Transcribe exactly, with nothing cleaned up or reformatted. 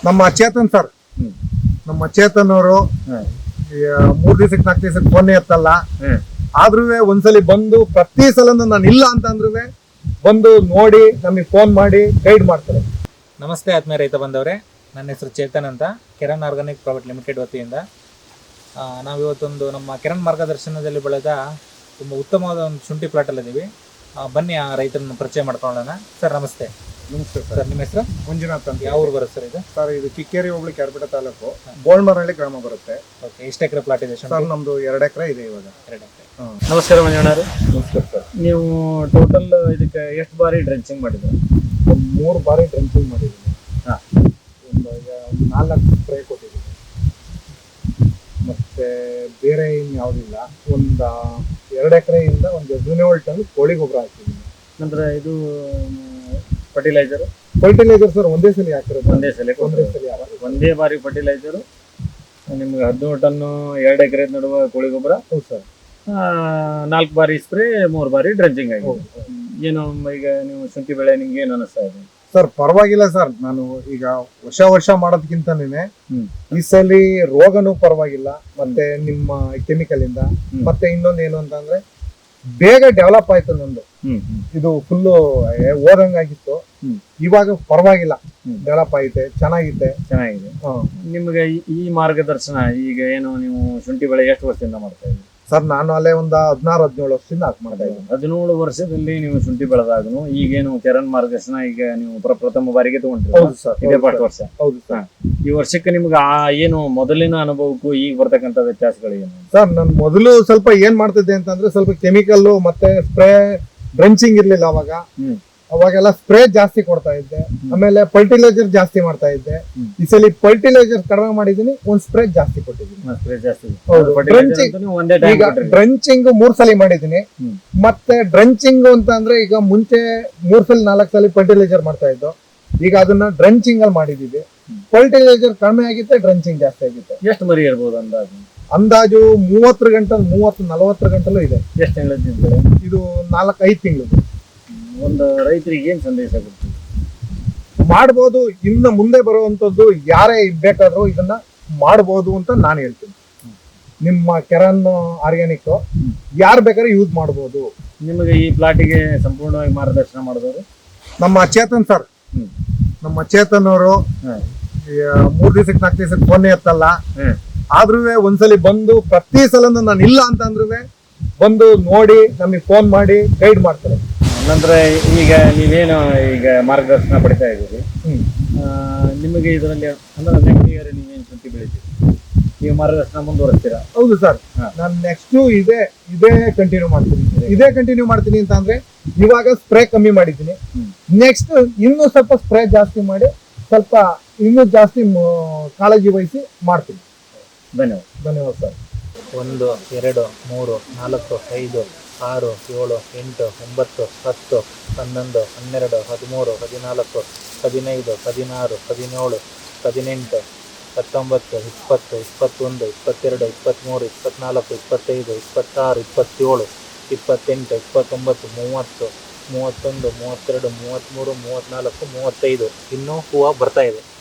ನಮ್ಮ ಚೇತನ್ ಸರ್, ನಮ್ಮ ಚೇತನ್ ಅವರು ಮೂರ್ ದಿವಸಕ್ಕೆ ನಾಲ್ಕು ದಿವಸಕ್ಕೆ ಫೋನ್ ಎತ್ತಲ್ಲ. ಆದ್ರೂ ಒಂದ್ಸಲಿ ಬಂದು ಪ್ರತಿ ಸಲ ನಾನು ಇಲ್ಲ ಅಂತ ಅಂದ್ರೂ ಬಂದು ನೋಡಿ ನಮಗೆ ಫೋನ್ ಮಾಡಿ ಗೈಡ್ ಮಾಡ್ತಾರೆ. ನಮಸ್ತೆ ಆತ್ಮೀಯ ರೈತ ಬಂದವರೇ, ನನ್ನ ಹೆಸರು ಚೇತನ್ ಅಂತ, ಕಿರಣ್ ಆರ್ಗಾನಿಕ್ ಪ್ರೈವೇಟ್ ಲಿಮಿಟೆಡ್ ವತಿಯಿಂದ ನಾವಿವತ್ತೊಂದು ನಮ್ಮ ಕಿರಣ್ ಮಾರ್ಗದರ್ಶನದಲ್ಲಿ ಬೆಳೆದ ತುಂಬ ಉತ್ತಮವಾದ ಒಂದು ಶುಂಠಿ ಪ್ಲಾಟಲ್ಲಿದ್ದೀವಿ. ಬನ್ನಿ ಆ ರೈತರನ್ನು ಪರಿಚಯ ಮಾಡ್ಕೊಳ್ಳೋಣ. ಸರ್ ನಮಸ್ತೆ. ನಮಸ್ತೆ ಸರ್, ನಿಮ್ಮ ಹೆಸರು? ಮಂಜುನಾಥ್ ಅಂತ. ಯಾವ ಊರು ಬರುತ್ತೆ ಸರ್ ಇದು? ಸರ್, ಇದು ಕಿಕ್ಕೇರಿ ಹೋಬಳಿ ಕ್ಯಾರ್ಪೇಟೆ ತಾಲೂಕು, ಗೋಲ್ಮರಹಳ್ಳಿ ಗ್ರಾಮ ಬರುತ್ತೆ. ಓಕೆ, ಎಷ್ಟು ಎಕರೆ ಪ್ಲಾಟ್ ಇದೆ ಸರ್? ನಮ್ದು ಎರಡು ಎಕರೆ ಇದೆ ಇವಾಗ. ಎರಡು ಎಕರೆ. ನಮಸ್ಕಾರ ಮಂಜುಣ್ಣವ್ರೆ. ನಮಸ್ಕಾರ ಸರ್. ನೀವು ಟೋಟಲ್ ಇದಕ್ಕೆ ಎಷ್ಟು ಬಾರಿ ಡ್ರೆಂಚಿಂಗ್ ಮಾಡಿದ್ರು? ಒಂದು ಮೂರು ಬಾರಿ ಡ್ರೆಂಚಿಂಗ್ ಮಾಡಿದ್ದೀನಿ. ಹಾಂ, ಒಂದು ಒಂದು ನಾಲ್ಕು ಸ್ಪ್ರೇ ಕೊಟ್ಟಿದ್ದೀನಿ. ಮತ್ತೆ ಬೇರೆ ಇನ್ನು ಯಾವುದಿಲ್ಲ. ಒಂದು ಎರಡು ಎಕರೆಯಿಂದ ಒಂದು ಹದಿನೇಳು ಟನ್ ಕೋಳಿ ಗೊಬ್ಬರ ಹಾಕಿದ್ದೀನಿ. ನಂತರ ಇದು ಫರ್ಟಿಲೈಸರ್ ಫರ್ಟಿಲೈಸರ್ ಸರ್ ಒಂದೇ ಸಲ ಹಾಕಿರೋದು. ಒಂದೇ ಸಲ ಒಂದೇ ಸಲ ಹಾಕಿರೋದು. ಒಂದೇ ಬಾರಿ ಫರ್ಟಿಲೈಸರು ನಿಮ್ಗೆ ಹದಿನೇಳು ಟನ್ನು ಎರಡು ಎಕರೆ ನಡುವ ಕೋಳಿ ಗೊಬ್ಬರ. ಹೌದು ಸರ್. ನಾಲ್ಕು ಬಾರಿ ಸ್ಪ್ರೇ, ಮೂರು ಬಾರಿ ಡ್ರೆಂಚಿಂಗ್ ಆಗಿದೆ. ಏನು ಈಗ ನೀವು ಶುಂಠಿ ಬೆಳೆ ನಿಮ್ಗೆ ಏನು ಅನಿಸ್ತಾ ಇದೆ? ಸರ್ ಪರವಾಗಿಲ್ಲ ಸರ್. ನಾನು ಈಗ ವರ್ಷ ವರ್ಷ ಮಾಡೋದಕ್ಕಿಂತನೇ ಹ್ಮ್ ಈ ಸಲ ರೋಗನೂ ಪರವಾಗಿಲ್ಲ. ಮತ್ತೆ ನಿಮ್ಮ ಕೆಮಿಕಲ್ ಇಂದ ಮತ್ತೆ ಇನ್ನೊಂದು ಏನು ಅಂತಂದ್ರೆ ಬೇಗ ಡೆವಲಪ್ ಆಯ್ತು ನಂದು. ಹ್ಮ್ ಹ್ಮ್ ಇದು ಫುಲ್ಲು ಓದಂಗಾಗಿತ್ತು. ಹ್ಮ್. ಇವಾಗ ಪರವಾಗಿಲ್ಲ, ಹ್ಮ್. ಡೆವಲಪ್ ಐತೆ, ಚೆನ್ನಾಗಿದೆ. ಚೆನ್ನಾಗಿದೆ. ನಿಮ್ಗೆ ಈ- ಈ ಮಾರ್ಗದರ್ಶನ ಈಗ ಏನು ನೀವು ಶುಂಠಿ ಬೆಳೆ ಎಷ್ಟು ವರ್ಷದಿಂದ ಮಾಡ್ತಾ ಇದ್ದೀರಿ? ಸರ್, ನಾನು ಅಲ್ಲೇ ಒಂದು ಹದಿನಾರು ಹದಿನೇಳು ವರ್ಷದಿಂದ ಹಾಕಿ ಮಾಡ್ತಾ ಇದ್ದೀನಿ. ಹದಿನೇಳು ವರ್ಷದಲ್ಲಿ ನೀವು ಶುಂಠಿ ಬೆಳೆದಾಗನು ಈಗೇನು ಕಿರಣ್ ಮಾರ್ಗದರ್ಶನ ಈಗ ನೀವು ಪ್ರ- ಪ್ರಥಮ ಬಾರಿಗೆ ತಗೊಂಡ್ರಿ. ಹೌದು ಸರ್. ಇದೇ ಫಸ್ಟ್ ವರ್ಷ. ಹೌದು ಸರ್. ಈ ವರ್ಷಕ್ಕೆ ನಿಮ್ಗೆ ಆ ಏನು ಮೊದಲಿನ ಅನುಭವಕ್ಕೂ ಈಗ ಬರ್ತಕ್ಕಂಥ ವ್ಯತ್ಯಾಸಗಳು ಏನು? ಸರ್, ನಾನು ಮೊದಲು ಸ್ವಲ್ಪ ಏನ್ ಮಾಡ್ತಿದ್ದೆ ಅಂತಂದ್ರೆ ಸ್ವಲ್ಪ ಕೆಮಿಕಲ್ ಮತ್ತೆ ಸ್ಪ್ರೇ ಡ್ರೆಂಚಿಂಗ್ ಇರ್ಲಿಲ್ಲ ಅವಾಗ. ಹ್ಮ್ ಅವಾಗೆಲ್ಲ ಸ್ಪ್ರೇ ಜಾಸ್ತಿ ಕೊಡ್ತಾ ಇದ್ದೆ. ಆಮೇಲೆ ಫರ್ಟಿಲೈಸರ್ ಜಾಸ್ತಿ ಮಾಡ್ತಾ ಇದ್ದೆ. ಹ್ಮ್. ಈ ಸಲ ಫರ್ಟಿಲೈಸರ್ ಕಡಿಮೆ ಮಾಡಿದೀನಿ, ಒಂದ್ ಸ್ಪ್ರೇ ಜಾಸ್ತಿ ಕೊಟ್ಟಿದ್ದೀನಿ. ಸ್ಪ್ರೇ ಜಾಸ್ತಿ. ಹೌದು. Fertilizer Drenching- ಅಂತೂ ನೀವು ಒಂದೇ ಟೈಮ್ ಈಗ ಡ್ರೆಂಚಿಂಗ್ ಮೂರ್ ಸಲ ಮಾಡಿದೀನಿ. ಹ್ಮ್. ಮತ್ತೆ ಡ್ರೆಂಚಿಂಗ್ ಅಂತ ಅಂದ್ರೆ ಈಗ ಮುಂಚೆ ಮೂರ್ ಸಲ ನಾಲ್ಕು ಸಲ ಫರ್ಟಿಲೈಸರ್ ಮಾಡ್ತಾ ಇದ್ದು, ಈಗ ಅದನ್ನ ಡ್ರೆಂಚಿಂಗ್ ಅಲ್ಲಿ ಮಾಡಿದೀವಿ. ಫರ್ಟಿಲೈಸರ್ ಕಡಿಮೆ ಆಗಿತ್ತೆ, ಡ್ರೆಂಚಿಂಗ್ ಜಾಸ್ತಿ ಆಗಿತ್ತೆ. ಎಷ್ಟು ಮರಿ ಇರ್ಬೋದು ಅಂದಾಜು? ಅಂದಾಜು ಮೂವತ್ತರ ಗಂಟಲು ಮೂವತ್ತು ನಲವತ್ತರ ಗಂಟಲು ಇದೆ. ಎಷ್ಟು ತಿಂಗಳ? ಇದು ನಾಲ್ಕು ಐದು ತಿಂಗಳು. ಒಂದು ರೈತರಿಗೆ ಏನ್ ಸಂದೇಶ ಕೊಡ್ತೀವಿ? ಮಾಡ್ಬೋದು. ಇನ್ನು ಮುಂದೆ ಬರುವಂತದ್ದು ಯಾರೇ ಬೇಕಾದ್ರೂ ಇದನ್ನ ಮಾಡ್ಬೋದು ಅಂತ ನಾನು ಹೇಳ್ತೀನಿ. ನಿಮ್ಮ ಕೆರನ್ ಆರ್ಗ್ಯಾನಿಕ್ ಯಾರು ಬೇಕಾದ್ರೆ ಯೂಸ್ ಮಾಡ್ಬೋದು. ನಿಮಗೆ ಈ ಪ್ಲಾಟಿಗೆ ಸಂಪೂರ್ಣವಾಗಿ ಮಾರ್ಗದರ್ಶನ ಮಾಡಿದವರು ನಮ್ಮ ಚೇತನ್ ಸರ್, ಹ್ಮ್ ನಮ್ಮ ಚೇತನ್ ಅವರು ಹ್ಮ್ ಮೂರ್ ದಿವಸಕ್ಕೆ ನಾಲ್ಕು ದಿವಸಕ್ಕೆ ಫೋನ್ ಎತ್ತಲ್ಲ. ಹ್ಮ್ ಆದ್ರೂ ಒಂದ್ಸಲಿ ಬಂದು ಪ್ರತಿ ಸಲ ನಾನು ಇಲ್ಲ ಅಂತ ಅಂದ್ರೂ ಬಂದು ನೋಡಿ ನಮಗೆ ಫೋನ್ ಮಾಡಿ ಗೈಡ್ ಮಾಡ್ತಾರೆ. ನಂತರ ಈಗ ನೀವೇನು ಈಗ ಮಾರ್ಗದರ್ಶನ ಪಡಿತಾ ಇದ್ದೀರಿ, ಹ್ಮ್ ಆ, ನಿಮಗೆ ಇದರಲ್ಲಿ ಅಂದ್ರೆ ನೆಕ್ಸ್ಟ್ ಇಯರ್ ನೀವೇನು ಶುಂಠಿ ಬೆಳಿತೀರಿ, ನೀವು ಮಾರ್ಗದರ್ಶನ ಮುಂದುವರಿಸ್ತೀರಾ? ಹೌದು ಸರ್. ಹಾ. ನಾನು ನೆಕ್ಸ್ಟ್ ಇದೇ ಇದೇ ಕಂಟಿನ್ಯೂ ಮಾಡ್ತೀನಿ. ಇದೇ ಕಂಟಿನ್ಯೂ ಮಾಡ್ತೀನಿ ಅಂತ ಅಂದ್ರೆ ಇವಾಗ ಸ್ಪ್ರೇ ಕಮ್ಮಿ ಮಾಡಿದ್ದೀನಿ. ಹ್ಮ್. ನೆಕ್ಸ್ಟ್ ಇನ್ನೂ ಸ್ವಲ್ಪ ಸ್ಪ್ರೇ ಜಾಸ್ತಿ ಮಾಡಿ ಸ್ವಲ್ಪ ಇನ್ನೂ ಜಾಸ್ತಿ ಮ- ಕಾಳಜಿ ವಹಿಸಿ ಮಾಡ್ತೀನಿ. ಧನ್ಯವಾದ. ಧನ್ಯವಾದ ಸರ್. ಒಂದು, ಎರಡು, ಮೂರು, ನಾಲ್ಕು, ಐದು, ಆರು, ಏಳು, ಎಂಟು, ಒಂಬತ್ತು, ಹತ್ತು, ಹನ್ನೊಂದು, ಹನ್ನೆರಡು, ಹದಿಮೂರು, ಹದಿನಾಲ್ಕು, ಹದಿನೈದು, ಹದಿನಾರು, ಹದಿನೇಳು, ಹದಿನೆಂಟು, ಹತ್ತೊಂಬತ್ತು, ಇಪ್ಪತ್ತು, ಇಪ್ಪತ್ತೊಂದು, ಇಪ್ಪತ್ತೆರಡು, ಇಪ್ಪತ್ತ್ಮೂರು, ಇಪ್ಪತ್ನಾಲ್ಕು, ಇಪ್ಪತ್ತೈದು, ಇಪ್ಪತ್ತಾರು, ಇಪ್ಪತ್ತೇಳು, ಇಪ್ಪತ್ತೆಂಟು, ಇಪ್ಪತ್ತೊಂಬತ್ತು, ಮೂವತ್ತು, ಮೂವತ್ತೊಂದು, ಮೂವತ್ತೆರಡು, ಮೂವತ್ತ್ಮೂರು, ಮೂವತ್ತ್ನಾಲ್ಕು, ಮೂವತ್ತೈದು. ಇನ್ನೂ ಹೂವು ಬರ್ತಾ ಇದೆ.